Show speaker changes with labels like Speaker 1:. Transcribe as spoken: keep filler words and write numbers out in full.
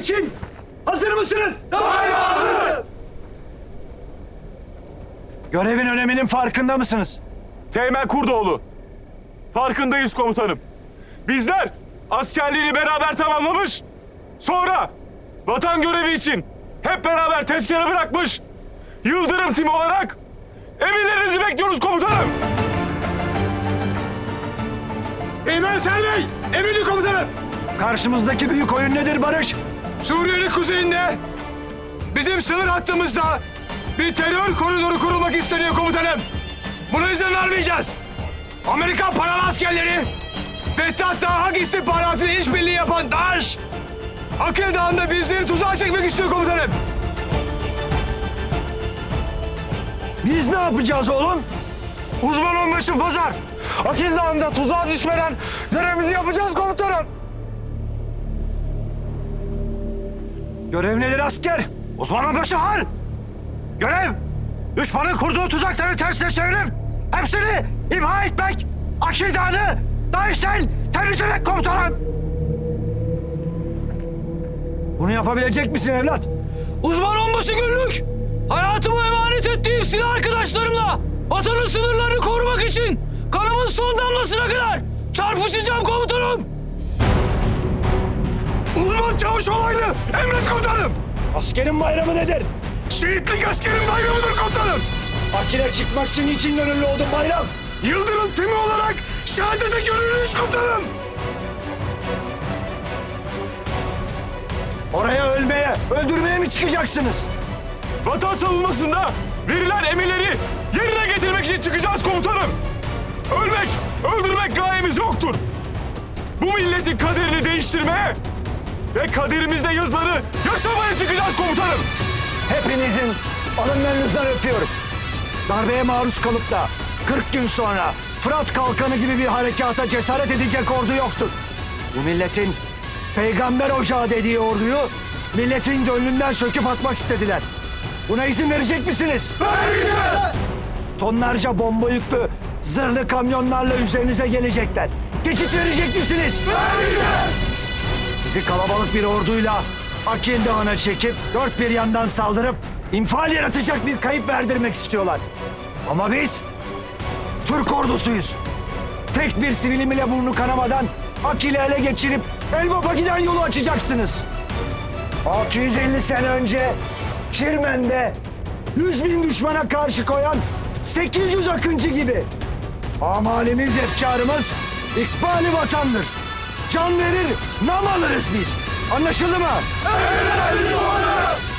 Speaker 1: için hazır mısınız?
Speaker 2: Daima hazırız.
Speaker 1: Görevin öneminin farkında mısınız?
Speaker 2: Teğmen Kurdoğlu. Farkındayız komutanım. Bizler askerliğini beraber tamamlamış. Sonra vatan görevi için hep beraber tezkere bırakmış. Yıldırım timi olarak emirlerinizi bekliyoruz komutanım.
Speaker 3: Teğmen Selvi, emredin komutanım.
Speaker 1: Karşımızdaki büyük oyun nedir Barış?
Speaker 3: Suriye'nin kuzeyinde, bizim sınır hattımızda bir terör koridoru kurulmak isteniyor komutanım. Buna izin vermeyeceğiz. Amerikan paralı askerleri, Fettah Dağ istihbaratıyla işbirliği yapan DAEŞ, Akıl Dağı'nda bizleri tuzağa çekmek istiyor komutanım.
Speaker 1: Biz ne yapacağız oğlum?
Speaker 3: Uzman onbaşı Pazar, Akıl Dağı'nda tuzağa düşmeden görevimizi yapacağız komutanım.
Speaker 1: Görev nedir asker?
Speaker 3: Uzman onbaşı Hal. Görev, düşmanın kurduğu tuzakları tersine çevirip hepsini imha etmek, Akıl Dağı'nı DAEŞ'ten temizlemek komutanım.
Speaker 1: Bunu yapabilecek misin evlat?
Speaker 4: Uzman onbaşı Günlük, hayatımı emanet ettiğim silah arkadaşlarımla vatanın sınırlarını korumak için kanımın son damlasına kadar çarpışacağım komutanım.
Speaker 3: Uzman Çavuş Olaylı, emret komutanım.
Speaker 1: Askerin bayramı nedir?
Speaker 3: Şehitlik askerin bayramıdır komutanım.
Speaker 1: Akile çıkmak için niçin gönüllü oldun bayram?
Speaker 3: Yıldırım timi olarak şehadete gönüllüyüz komutanım.
Speaker 1: Oraya ölmeye, öldürmeye mi çıkacaksınız?
Speaker 2: Vatan savunmasında verilen emirleri yerine getirmek için çıkacağız komutanım. Ölmek, öldürmek gayemiz yoktur. Bu milletin kaderini değiştirmeye ve kaderimizde yazıları yaşamaya çıkacağız komutanım.
Speaker 1: Hepinizin alınlarınızdan öpüyorum. Darbeye maruz kalıp da kırk gün sonra Fırat Kalkanı gibi bir harekata cesaret edecek ordu yoktur. Bu milletin peygamber ocağı dediği orduyu milletin gönlünden söküp atmak istediler. Buna izin verecek misiniz?
Speaker 3: Vermeyeceğiz.
Speaker 1: Tonlarca bomba yüklü zırhlı kamyonlarla üzerinize gelecekler. Geçit verecek misiniz?
Speaker 3: Vermeyeceğiz.
Speaker 1: Bizi kalabalık bir orduyla Akil Dağı'na çekip dört bir yandan saldırıp infial yaratacak bir kayıp verdirmek istiyorlar. Ama biz Türk ordusuyuz. Tek bir sivilim ile burnu kanamadan Akil'i ele geçirip Elbap'a giden yolu açacaksınız. altı yüz elli sene önce Çirmen'de yüz bin düşmana karşı koyan sekiz yüz akıncı gibi. Amalimiz, efkarımız ikbali vatandır. Can verir, nam alırız biz. Anlaşıldı mı?
Speaker 3: Emredersiniz komutanım.